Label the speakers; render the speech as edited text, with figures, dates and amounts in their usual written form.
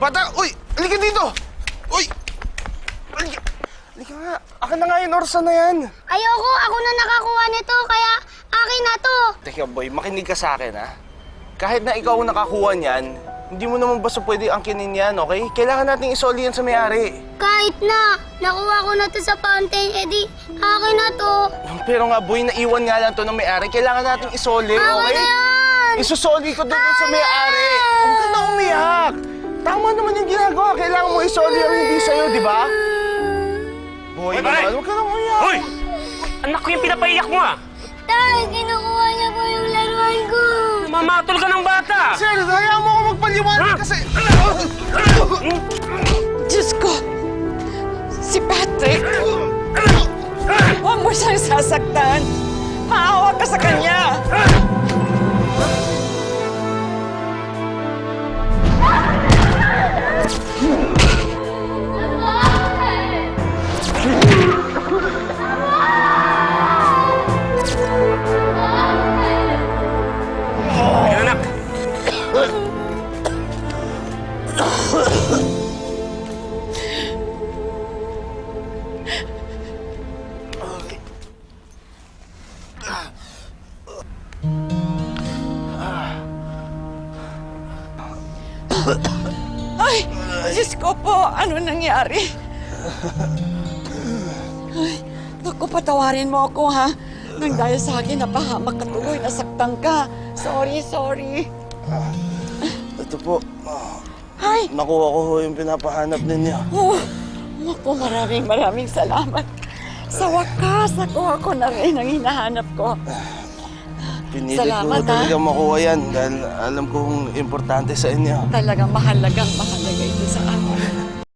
Speaker 1: Bata! Uy! Halika dito! Uy! Halika! Halika nga. Akin na nga yung orsa na yan.
Speaker 2: Ayoko, ako na nakakuha nito, kaya akin na to.
Speaker 1: Teka boy, makinig ka sa akin ha. Kahit na ikaw ang nakakuha niyan, hindi mo naman basta pwede angkinin yan, okay? Kailangan nating isoli yan sa may-ari.
Speaker 2: Kahit na, nakuha ko na to sa fountain, edi akin na to.
Speaker 1: Pero nga boy, naiwan nga lang to ng may-ari. Kailangan nating isoli,
Speaker 2: Akin
Speaker 1: okay?
Speaker 2: na yan!
Speaker 1: Isusoli ko doon sa may-ari. Huwag ka na umiyak. Tama naman yung ginagawa. Kailangan mo isoli ang hindi sa'yo, di ba? Boy, naman, huwag ka na umiyak.
Speaker 3: Hoy! Anak ko yung pinapaiyak mo ah!
Speaker 2: Tay, kinukuha niya po yung laruan ko.
Speaker 3: Mamatol ka ng bata!
Speaker 1: Sir, hayaan mo ako magpaliwanag kasi...
Speaker 4: Diyos ko! Si Patrick! Huwag mo siyang sasaktan! Maawa ka sa kanya!
Speaker 3: Anak!
Speaker 4: Ay! Diyos ko po! Ano nangyari? Ay, naku, patawarin mo ako, ha? Nang dahil sa akin, napahamak ka tuloy, nasaktan ka. Sorry.
Speaker 1: Ito po,
Speaker 4: Ay!
Speaker 1: nakuha ko ho yung pinapahanap ninyo.
Speaker 4: Oh, naku, maraming salamat. Sa wakas, nakuha ko na rin ang hinahanap ko.
Speaker 1: Pinilit
Speaker 4: Salamat,
Speaker 1: ko talaga makuha yan dahil alam kong importante sa inyo.
Speaker 4: Talagang mahalagang mahalaga ito